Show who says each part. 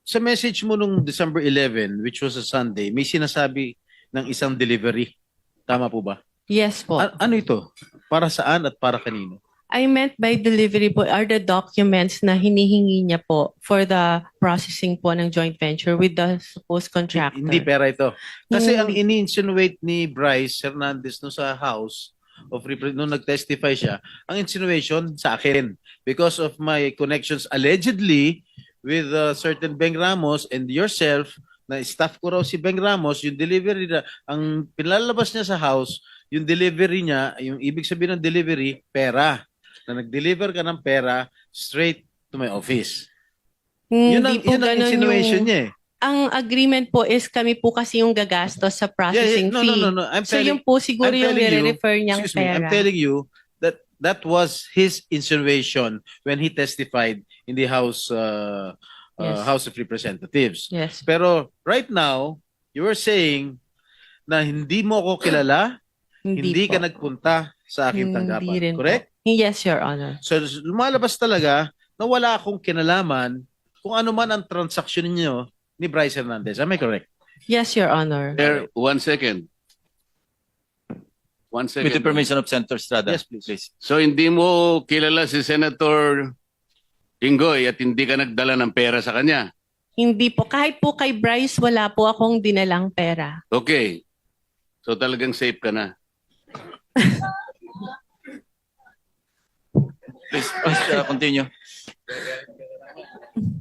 Speaker 1: sa message mo nung December 11, which was a Sunday, may sinasabi ng isang delivery. Tama po ba?
Speaker 2: Yes po.
Speaker 1: Ano ito? Para saan at para kanino?
Speaker 2: I meant by delivery po are the documents na hinihingi niya po for the processing po ng joint venture with the supposed contractor.
Speaker 1: Hindi pera ito. Kasi ang
Speaker 2: Hindi.
Speaker 1: ini-insinuate ni Bryce Hernandez no sa House of nung nag-testify siya, ang insinuation sa akin because of my connections allegedly with certain Beng Ramos and yourself na staff ko raw si Beng Ramos, yung delivery na, ang pinalabas niya sa house, yung delivery niya, yung ibig sabihin ng delivery, pera. Na nag-deliver ka ng pera straight to my office.
Speaker 2: Hindi po
Speaker 1: Yun ang
Speaker 2: ganun
Speaker 1: insinuation
Speaker 2: yung...
Speaker 1: niya eh.
Speaker 2: Ang agreement po is kami po kasi yung gagastos sa processing
Speaker 1: No,
Speaker 2: fee.
Speaker 1: no, no, no.
Speaker 2: So yung po siguro
Speaker 1: I'm
Speaker 2: yung
Speaker 1: telling you,
Speaker 2: nire-refer niyang
Speaker 1: excuse me, I'm
Speaker 2: pera.
Speaker 1: telling you that that was his insinuation when he testified in the
Speaker 2: Yes.
Speaker 1: House of Representatives.
Speaker 2: Yes.
Speaker 1: Pero right now, you were saying na hindi mo ko kilala, hindi
Speaker 2: po.
Speaker 1: ka nagpunta sa aking
Speaker 2: Hindi
Speaker 1: tanggapan.
Speaker 2: rin po.
Speaker 1: Correct?
Speaker 2: Yes, Your Honor.
Speaker 1: So lumalabas talaga na wala akong kinalaman kung ano man ang transaksyon niyo ni Bryce Hernandez. Am I correct?
Speaker 2: Yes, Your Honor.
Speaker 3: There, 1 second. 1
Speaker 4: With the
Speaker 3: second.
Speaker 4: permission of Senator Estrada.
Speaker 1: Yes, please.
Speaker 3: So hindi mo kilala si Senator Tinggoy at hindi ka nagdala ng pera sa kanya.
Speaker 2: Hindi po. Kahit po kay Bryce, wala po akong dinalang pera.
Speaker 3: Okay. So talagang safe ka na.
Speaker 4: Please, continue.